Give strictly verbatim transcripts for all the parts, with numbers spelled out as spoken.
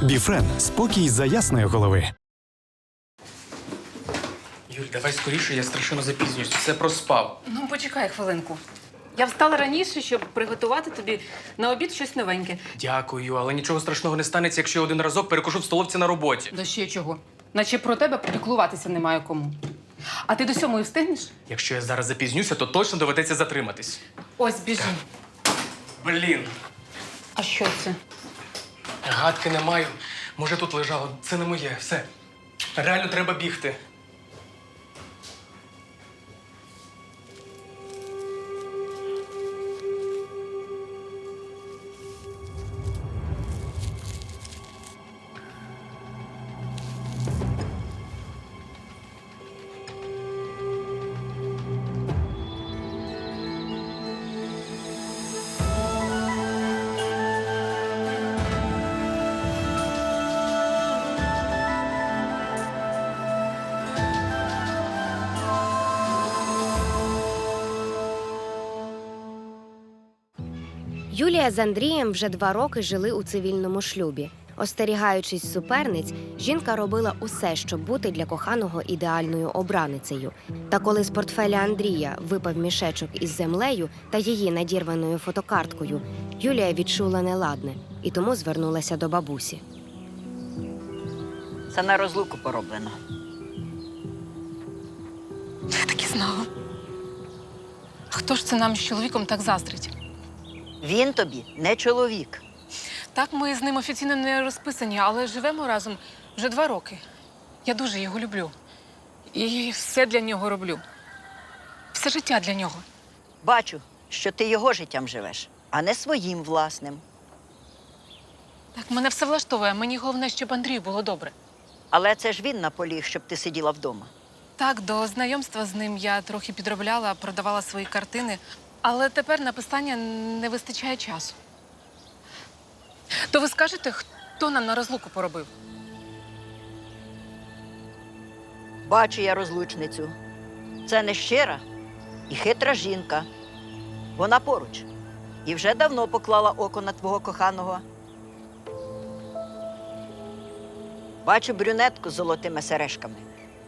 Біфрен – спокій за ясної голови. Юль, давай скоріше, я страшенно запізнююсь. Все проспав. Ну, почекай хвилинку. Я встала раніше, щоб приготувати тобі на обід щось новеньке. Дякую, але нічого страшного не станеться, якщо я один разок перекушу в столовці на роботі. Да ще чого? Наче про тебе піклуватися немає кому. А ти до сьомої встигнеш? Якщо я зараз запізнюся, то точно доведеться затриматись. Ось, біжи. Блін, А що це? гадки не маю. Може, тут лежало. Це не моє. Все. Реально треба бігти. Юлія з Андрієм вже два роки жили у цивільному шлюбі. Остерігаючись суперниць, жінка робила усе, щоб бути для коханого ідеальною обраницею. Та коли з портфеля Андрія випав мішечок із землею та її надірваною фотокарткою, Юлія відчула неладне і тому звернулася до бабусі. Це на розлуку пороблено. Я так і знала. Хто ж це нам з чоловіком так заздрить? Він тобі не чоловік. Так, ми з ним офіційно не розписані, але живемо разом вже два роки. Я дуже його люблю. І все для нього роблю. Все життя для нього. Бачу, що ти його життям живеш, а не своїм власним. Так, мене все влаштовує. Мені головне, щоб Андрію було добре. Але це ж він наполіг, щоб ти сиділа вдома. Так, до знайомства з ним я трохи підробляла, продавала свої картини. Але тепер на писання не вистачає часу. То ви скажете, хто нам на розлуку поробив? Бачу я розлучницю. Це нещира і хитра жінка. Вона поруч. І вже давно поклала око на твого коханого. Бачу брюнетку з золотими сережками.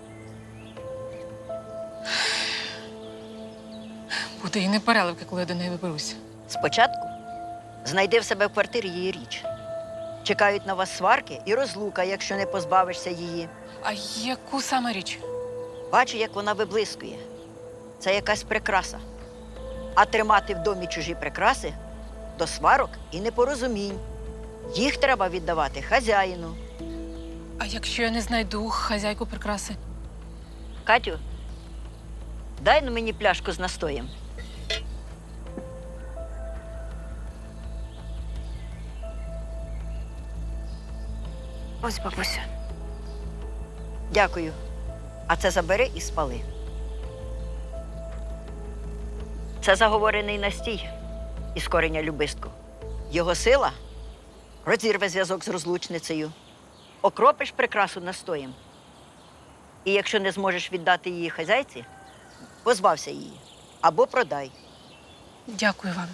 Буде і не переливки, коли я до неї виберуся. Спочатку знайди в себе в квартирі її річ. Чекають на вас сварки і розлука, якщо не позбавишся її. А яку саме річ? Бачу, як вона виблискує. Це якась прикраса. А тримати в домі чужі прикраси – до сварок і непорозумінь. Їх треба віддавати хазяїну. А якщо я не знайду хазяйку прикраси? Катю, дай ну мені пляшку з настоєм. Ось, бабуся. Дякую. А це забери і спали. Це заговорений настій із кореня любистку. Його сила розірве зв'язок з розлучницею. Окропиш прикрасу настоєм. І якщо не зможеш віддати її хазяйці, позбався її або продай. Дякую вам.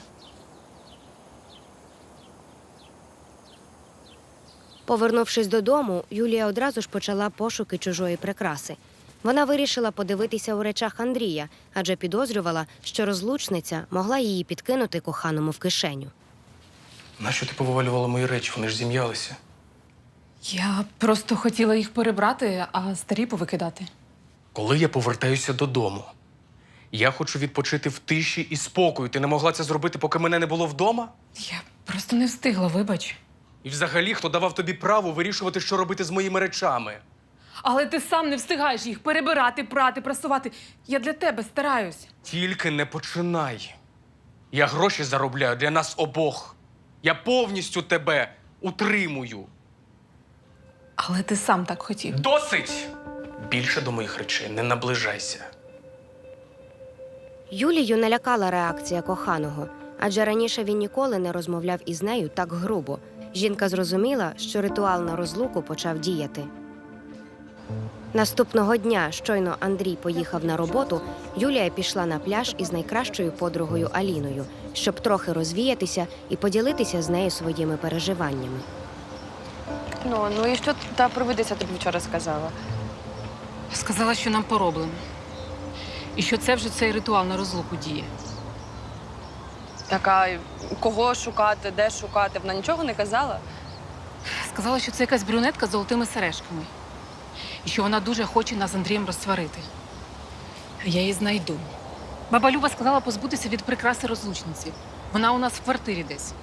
Повернувшись додому, Юлія одразу ж почала пошуки чужої прикраси. Вона вирішила подивитися у речах Андрія, адже підозрювала, що розлучниця могла її підкинути коханому в кишеню. Нащо ти повивалювала мої речі? Вони ж зім'ялися. Я просто хотіла їх перебрати, а старі повикидати. Коли я повертаюся додому, я хочу відпочити в тиші і спокою. Ти не могла це зробити, поки мене не було вдома? Я просто не встигла, вибач. І взагалі, хто давав тобі право вирішувати, що робити з моїми речами? Але ти сам не встигаєш їх перебирати, прати, прасувати. Я для тебе стараюсь. Тільки не починай. Я гроші заробляю для нас обох. Я повністю тебе утримую. Але ти сам так хотів. Досить! Більше до моїх речей не наближайся. Юлію налякала реакція коханого, адже раніше він ніколи не розмовляв із нею так грубо. Жінка зрозуміла, що ритуал на розлуку почав діяти. Наступного дня, щойно Андрій поїхав на роботу, Юлія пішла на пляж із найкращою подругою Аліною, щоб трохи розвіятися і поділитися з нею своїми переживаннями. Ну, ну і що та провидиця тобі вчора сказала? Сказала, що нам пороблено. І що це вже цей ритуал на розлуку діє. Така, кого шукати, де шукати? Вона нічого не казала? Сказала, що це якась брюнетка з золотими сережками. І що вона дуже хоче нас з Андрієм розсварити. А я її знайду. Баба Люба сказала позбутися від прикраси розлучниці. Вона у нас в квартирі десь.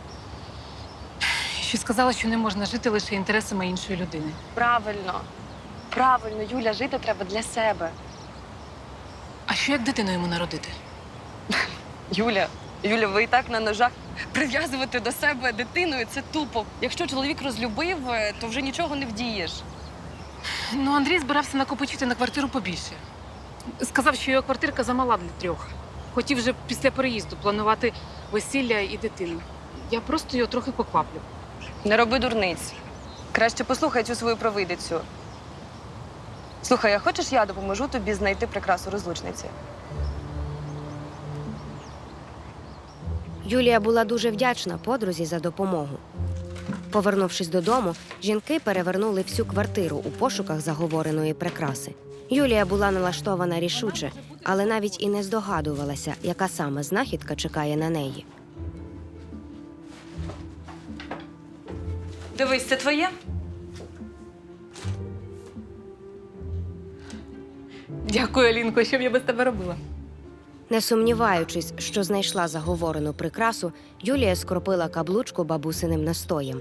І ще сказала, що не можна жити лише інтересами іншої людини. Правильно. Правильно, Юля, жити треба для себе. А що як дитину йому народити? Юля, Юля, ви і так на ножах. Прив'язувати до себе дитиною – це тупо. Якщо чоловік розлюбив, то вже нічого не вдієш. Ну, Андрій збирався накопичити на квартиру побільше. Сказав, що його квартирка замала для трьох. Хотів вже після переїзду планувати весілля і дитину. Я просто його трохи покваплю. Не роби дурниць. Краще послухай цю свою провидицю. Слухай, а хочеш, я допоможу тобі знайти прикрасу розлучниці? Юлія була дуже вдячна подрузі за допомогу. Повернувшись додому, жінки перевернули всю квартиру у пошуках заговореної прикраси. Юлія була налаштована рішуче, але навіть і не здогадувалася, яка саме знахідка чекає на неї. Дивись, це твоє? Дякую, Алінко, що б я без тебе робила? Не сумніваючись, що знайшла заговорену прикрасу, Юлія скропила каблучку бабусиним настоєм.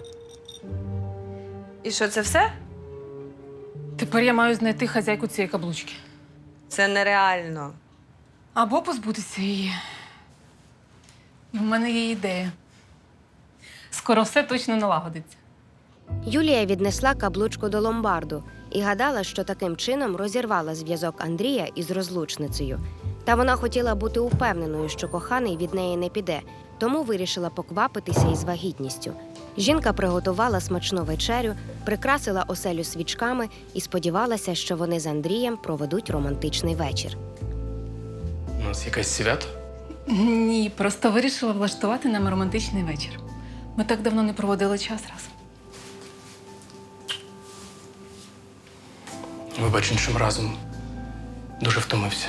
І що, це все? Тепер я маю знайти хазяйку цієї каблучки. Це нереально. Або позбутися її. І в мене є ідея. Скоро все точно налагодиться. Юлія віднесла каблучку до ломбарду і гадала, що таким чином розірвала зв'язок Андрія із розлучницею. Та вона хотіла бути упевненою, що коханий від неї не піде, тому вирішила поквапитися із вагітністю. Жінка приготувала смачну вечерю, прикрасила оселю свічками і сподівалася, що вони з Андрієм проведуть романтичний вечір. У нас якесь свято? Ні, просто вирішила влаштувати нам романтичний вечір. Ми так давно не проводили час разом. Вибач, іншим разом дуже втомився.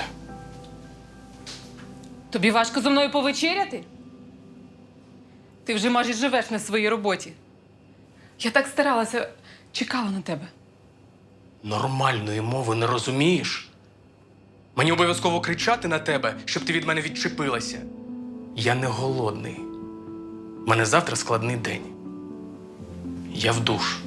Тобі важко зі мною повечеряти? Ти вже майже живеш на своїй роботі. Я так старалася, чекала на тебе. Нормальної мови не розумієш? Мені обов'язково кричати на тебе, щоб ти від мене відчепилася. Я не голодний. У мене завтра складний день. Я в душ.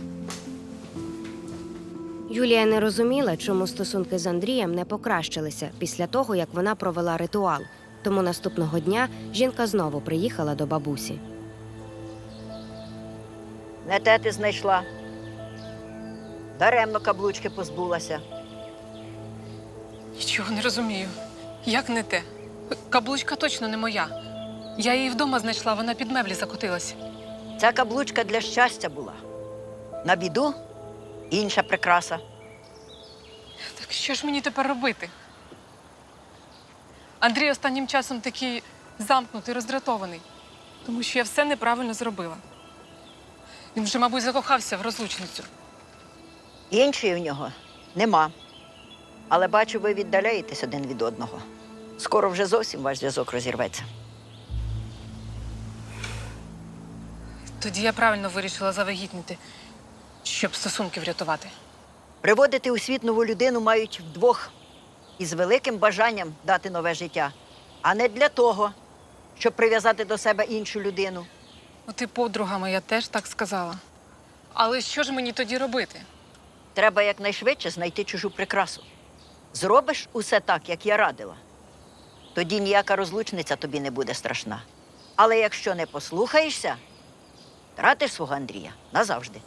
Юлія не розуміла, чому стосунки з Андрієм не покращилися після того, як вона провела ритуал. Тому наступного дня жінка знову приїхала до бабусі. Не те ти знайшла. Даремно каблучки позбулася. Нічого не розумію. Як не те? Каблучка точно не моя. Я її вдома знайшла, вона під меблі закотилась. Ця каблучка для щастя була. На біду інша прикраса. Так що ж мені тепер робити? Андрій останнім часом такий замкнутий, роздратований, тому що я все неправильно зробила. Він вже, мабуть, закохався в розлучницю. Іншої у нього нема. Але бачу, ви віддаляєтесь один від одного. Скоро вже зовсім ваш зв'язок розірветься. Тоді я правильно вирішила завагітніти, щоб стосунки врятувати. Приводити у світ нову людину мають вдвох із великим бажанням дати нове життя, а не для того, щоб прив'язати до себе іншу людину. От і подруга моя теж так сказала. Але що ж мені тоді робити? Треба якнайшвидше знайти чужу прикрасу. Зробиш усе так, як я радила, тоді ніяка розлучниця тобі не буде страшна. Але якщо не послухаєшся, втратиш свого Андрія назавжди.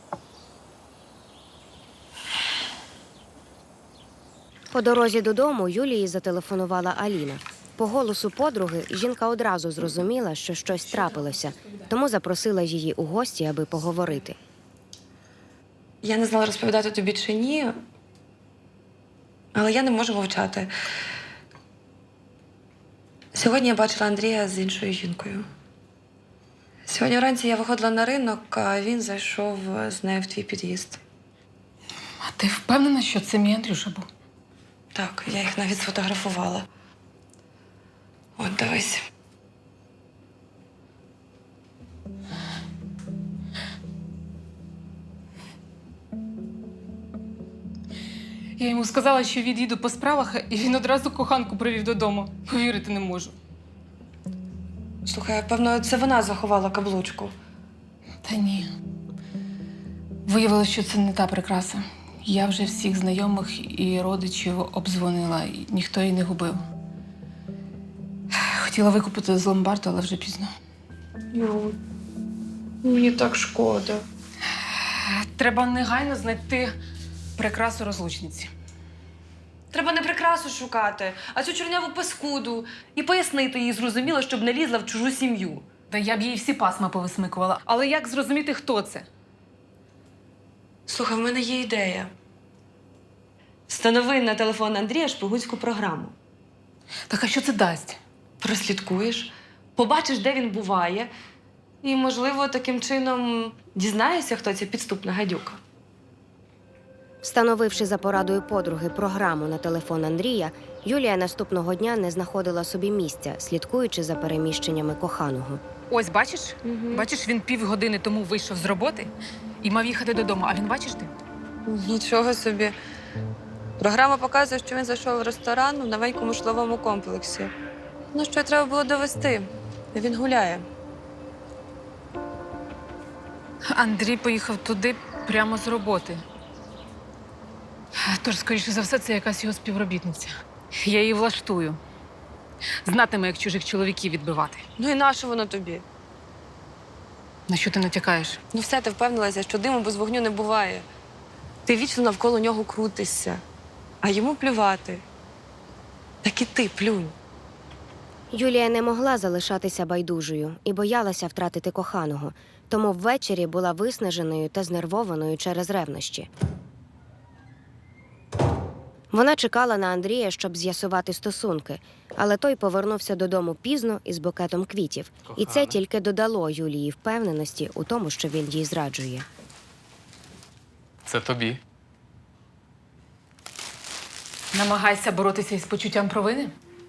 По дорозі додому Юлії зателефонувала Аліна. По голосу подруги жінка одразу зрозуміла, що щось трапилося, тому запросила її у гості, аби поговорити. Я не знала, розповідати тобі чи ні, але я не можу мовчати. Сьогодні я бачила Андрія з іншою жінкою. Сьогодні вранці я виходила на ринок, а він зайшов з нею в твій під'їзд. А ти впевнена, що це мій Андрюша був? Так, я їх навіть сфотографувала. От дивись. Я йому сказала, що від'їду по справах, і він одразу коханку привів додому. Повірити не можу. Слухай, певно, це вона заховала каблучку. Та ні. Виявилося, що це не та прикраса. Я вже всіх знайомих і родичів обдзвонила, і ніхто її не губив. Хотіла викупити з ломбарду, але вже пізно. Юль, мені так шкода. Треба негайно знайти прикрасу розлучниці. Треба не прикрасу шукати, а цю чорняву паскуду. І пояснити їй зрозуміло, щоб не лізла в чужу сім'ю. Та я б їй всі пасма повисмикувала. Але як зрозуміти, хто це? Слухай, в мене є ідея. Встанови на телефон Андрія шпигунську програму. Так а що це дасть? Прослідкуєш, побачиш, де він буває, і, можливо, таким чином дізнаєшся, хто ця підступна гадюка. Встановивши за порадою подруги програму на телефон Андрія, Юлія наступного дня не знаходила собі місця, слідкуючи за переміщеннями коханого. Ось, бачиш? Угу. Бачиш, він півгодини тому вийшов з роботи і мав їхати додому. А він, бачиш ти? Нічого собі. Програма показує, що він зайшов в ресторан у новенькому житловому комплексі. Ну, що й треба було довести. Він гуляє. Андрій поїхав туди прямо з роботи. Тож, скоріше за все, це якась його співробітниця. Я її влаштую. Знатиме, як чужих чоловіків відбивати. Ну і нащо воно тобі? На що ти натякаєш? Ну все, ти впевнилася, що диму без вогню не буває. Ти вічно навколо нього крутишся, а йому плювати. Так і ти плюнь. Юлія не могла залишатися байдужою і боялася втратити коханого, тому ввечері була виснаженою та знервованою через ревнощі. Вона чекала на Андрія, щоб з'ясувати стосунки, але той повернувся додому пізно із букетом квітів. І це тільки додало Юлії впевненості у тому, що він їй зраджує. Це тобі. Намагайся боротися із почуттям провини?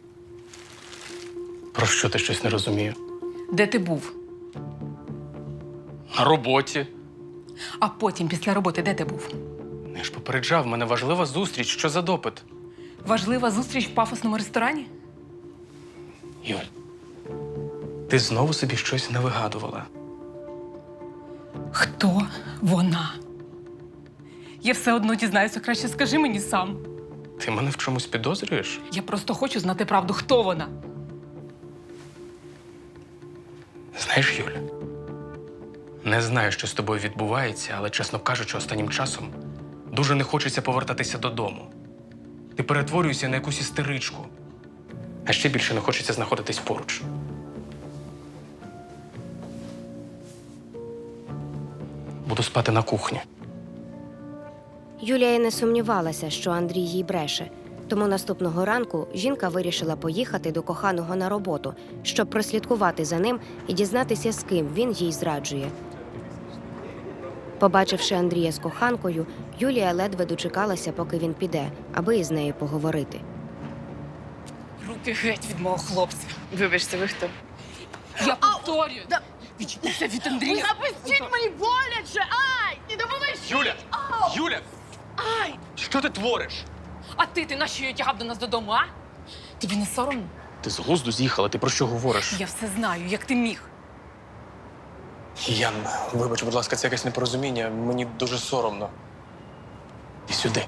Про що ти щось не розумію? Де ти був? На роботі. А потім, після роботи, де ти був? Я ж попереджав, в мене важлива зустріч. Що за допит? Важлива зустріч в пафосному ресторані? Юль, ти знову собі щось навигадувала. Хто вона? Я все одно дізнаюся, краще скажи мені сам. Ти мене в чомусь підозрюєш? Я просто хочу знати правду, хто вона. Знаєш, Юля, не знаю, що з тобою відбувається, але, чесно кажучи, останнім часом дуже не хочеться повертатися додому. Ти перетворюєшся на якусь істеричку. А ще більше не хочеться знаходитись поруч. Буду спати на кухні. Юлія й не сумнівалася, що Андрій їй бреше. Тому наступного ранку жінка вирішила поїхати до коханого на роботу, щоб прослідкувати за ним і дізнатися, з ким він їй зраджує. Побачивши Андрія з коханкою, Юлія ледве дочекалася, поки він піде, аби із нею поговорити. Руки геть від мого хлопця. Вибачте, ви хто? Я повторюю. Відчепися від Андрія. Запустіть мені боляче! Ай! Не допоможіть! Юля! Юля! Ай! Що ти твориш? А ти, ти нащо її тягав до нас додому, а? Тобі не соромно? Ти з глузду з'їхала, ти про що говориш? Я все знаю, як ти міг. Ян, вибач, будь ласка, це якесь непорозуміння. Мені дуже соромно. І сюди.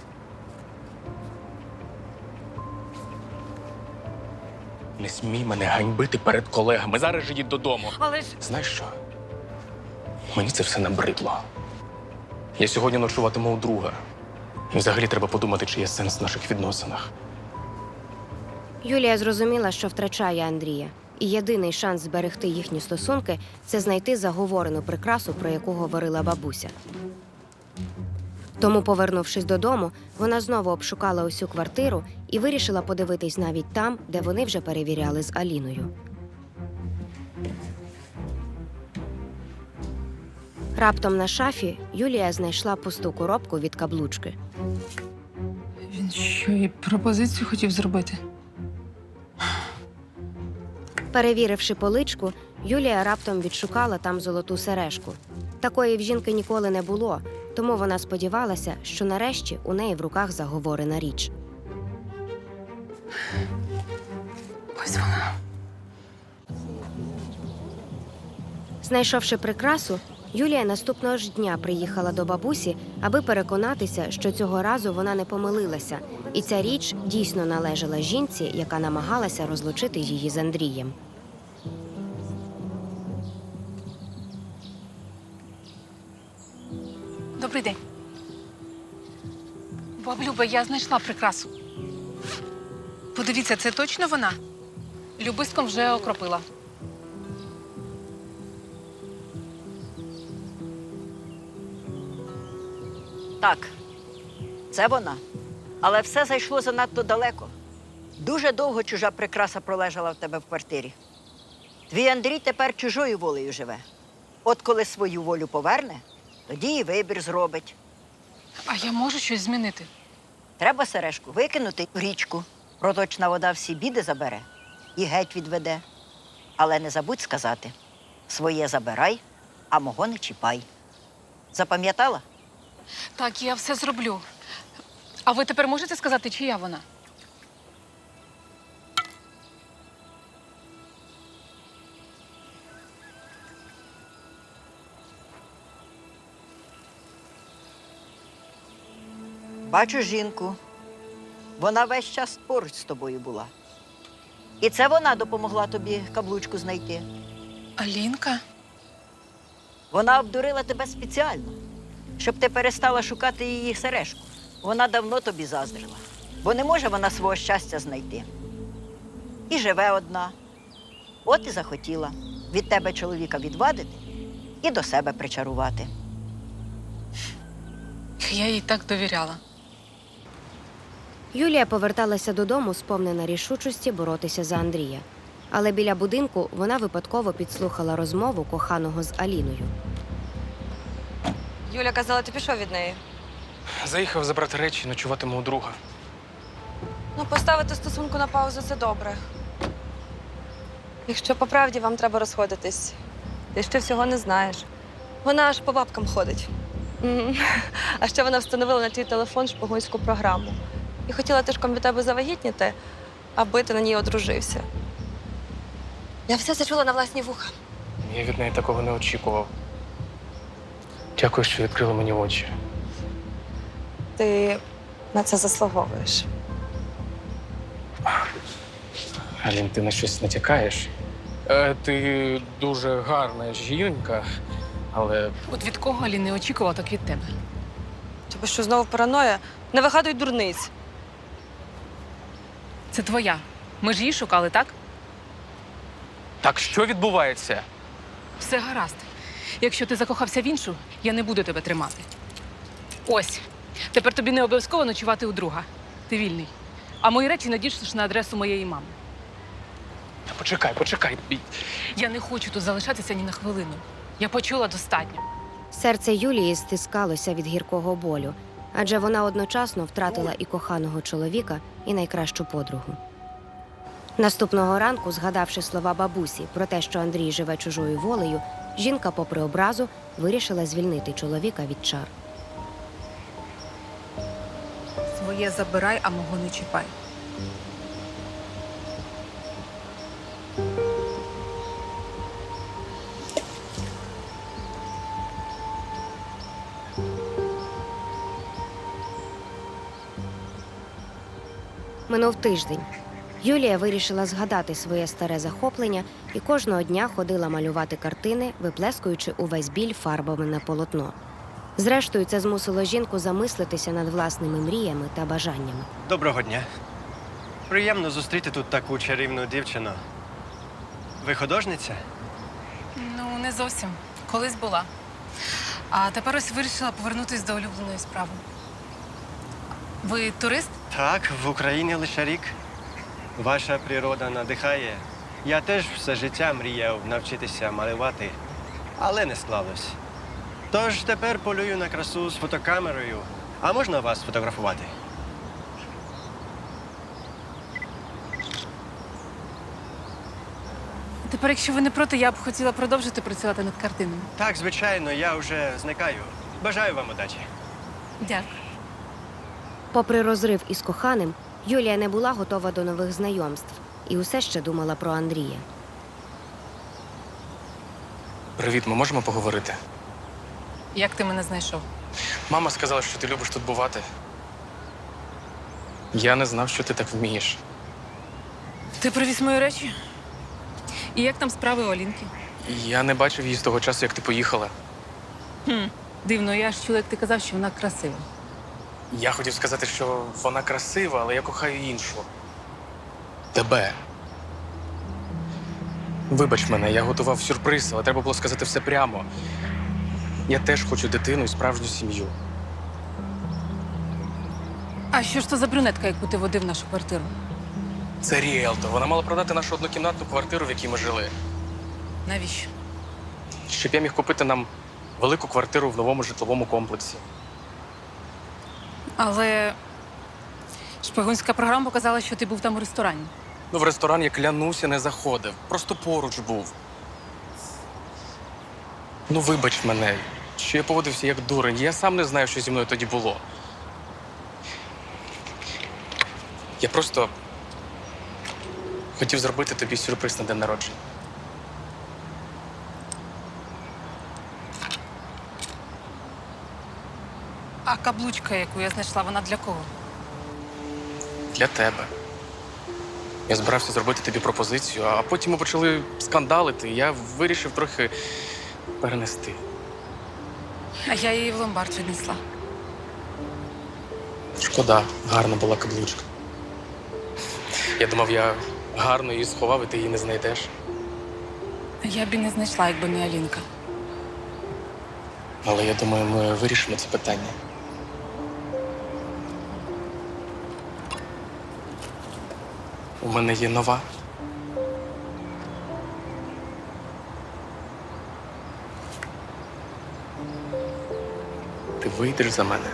Не смій мене ганьбити перед колегами. Зараз же їдь додому. Але ж Знаєш що? Мені це все набридло. Я сьогодні ночуватиму у друга. І взагалі треба подумати, чи є сенс в наших відносинах. Юлія зрозуміла, що втрачає Андрія. І єдиний шанс зберегти їхні стосунки – це знайти заговорену прикрасу, про яку говорила бабуся. Тому, повернувшись додому, вона знову обшукала усю квартиру і вирішила подивитись навіть там, де вони вже перевіряли з Аліною. Раптом на шафі Юлія знайшла пусту коробку від каблучки. Він що, і пропозицію хотів зробити? Перевіривши поличку, Юлія раптом відшукала там золоту сережку. Такої в жінки ніколи не було, тому вона сподівалася, що нарешті у неї в руках заговорена річ. Ось вона. Знайшовши прикрасу, Юлія наступного ж дня приїхала до бабусі, аби переконатися, що цього разу вона не помилилася, і ця річ дійсно належала жінці, яка намагалася розлучити її з Андрієм. Добрий день. Баб Люба, я знайшла прикрасу. Подивіться, це точно вона? Любистком вже окропила. Так, це вона. Але все зайшло занадто далеко. Дуже довго чужа прикраса пролежала в тебе в квартирі. Твій Андрій тепер чужою волею живе. От коли свою волю поверне, тоді і вибір зробить. А я можу щось змінити? Треба сережку викинути в річку. Проточна вода всі біди забере і геть відведе. Але не забудь сказати: своє забирай, а мого не чіпай. Запам'ятала? Так, я все зроблю. А ви тепер можете сказати, чия вона? Бачу жінку. Вона весь час поруч з тобою була. І це вона допомогла тобі каблучку знайти. Алінка? Вона обдурила тебе спеціально, щоб ти перестала шукати її сережку. Вона давно тобі заздрила, бо не може вона свого щастя знайти. І живе одна. От і захотіла від тебе чоловіка відвадити і до себе причарувати. Я їй так довіряла. Юлія поверталася додому, сповнена рішучості боротися за Андрія. Але біля будинку вона випадково підслухала розмову коханого з Аліною. Юля казала, ти пішов від неї. Заїхав забрати речі, ночуватиму у друга. Ну, поставити стосунку на паузу – це добре. Якщо по правді вам треба розходитись, ти ще всього не знаєш. Вона аж по бабкам ходить. Мгм. А ще вона встановила на твій телефон шпигунську програму. І хотіла тишком від тебе завагітніти, аби ти на ній одружився. Я все це чула на власні вуха. Я від неї такого не очікував. Дякую, що відкрила мені очі. Ти на це заслуговуєш. Алін, ти на щось натякаєш? Е, ти дуже гарна жінка, але От від кого Алін не очікувала, так від тебе. Тобі що, знову параноя? Не вигадуй дурниць. Це твоя. Ми ж її шукали, так? так що відбувається? Все гаразд. Якщо ти закохався в іншу, я не буду тебе тримати. Ось. Тепер тобі не обов'язково ночувати у друга. Ти вільний. А мої речі надішлеш на адресу моєї мами. Та почекай, почекай. Я не хочу тут залишатися ні на хвилину. Я почула достатньо. Серце Юлії стискалося від гіркого болю, адже вона одночасно втратила і коханого чоловіка, і найкращу подругу. Наступного ранку, згадавши слова бабусі про те, що Андрій живе чужою волею, жінка, попри образу, вирішила звільнити чоловіка від чар. Своє забирай, а мого не чіпай. Минув тиждень. Юлія вирішила згадати своє старе захоплення і кожного дня ходила малювати картини, виплескуючи увесь біль фарбами на полотно. Зрештою, це змусило жінку замислитися над власними мріями та бажаннями. Доброго дня. Приємно зустріти тут таку чарівну дівчину. Ви художниця? Ну, не зовсім. Колись була. А тепер ось вирішила повернутися до улюбленої справи. Ви турист? Так, в Україні лише рік. Ваша природа надихає. Я теж все життя мріяв навчитися малювати, але не склалось. Тож тепер полюю на красу з фотокамерою. А можна вас фотографувати? Тепер, якщо ви не проти, я б хотіла продовжити працювати над картинами. Так, звичайно, я вже зникаю. Бажаю вам удачі. Дякую. Попри розрив із коханим, Юлія не була готова до нових знайомств і усе ще думала про Андрія. Привіт, ми можемо поговорити? Як ти мене знайшов? Мама сказала, що ти любиш тут бувати. Я не знав, що ти так вмієш. Ти привіз мої речі? І як там справи у Алінки? Я не бачив її з того часу, як ти поїхала. Хм, дивно, я ж чула, як ти казав, що вона красива. Я хотів сказати, що вона красива, але я кохаю іншу. Тебе. Вибач мене, я готував сюрприз, але треба було сказати все прямо. Я теж хочу дитину і справжню сім'ю. А що ж то за брюнетка, яку ти водив в нашу квартиру? Це ріелтор. Вона мала продати нашу однокімнатну квартиру, в якій ми жили. Навіщо? Щоб я міг купити нам велику квартиру в новому житловому комплексі. Але шпигунська програма показала, що ти був там у ресторані. Ну, в ресторан, я клянуся, не заходив. Просто поруч був. Ну, вибач мене, що я поводився як дурень. Я сам не знаю, що зі мною тоді було. Я просто хотів зробити тобі сюрприз на день народження. А каблучка, яку я знайшла, вона для кого? Для тебе. Я збирався зробити тобі пропозицію, а потім ми почали скандалити, і я вирішив трохи перенести. А я її в ломбард віднесла. Шкода, гарна була каблучка. Я думав, я гарно її сховав, і ти її не знайдеш. Я б і не знайшла, якби не Алінка. Але я думаю, ми вирішимо це питання. У мене є нова. Ти вийдеш за мене.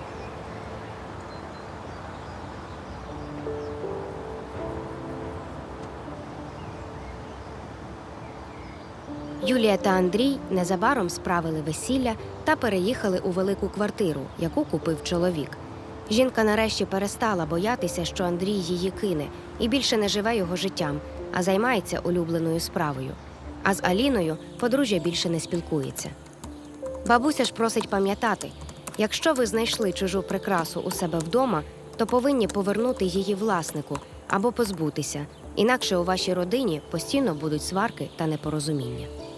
Юлія та Андрій незабаром справили весілля та переїхали у велику квартиру, яку купив чоловік. Жінка нарешті перестала боятися, що Андрій її кине, і більше не живе його життям, а займається улюбленою справою. А з Аліною подружжя більше не спілкується. Бабуся ж просить пам'ятати, якщо ви знайшли чужу прикрасу у себе вдома, то повинні повернути її власнику або позбутися, інакше у вашій родині постійно будуть сварки та непорозуміння.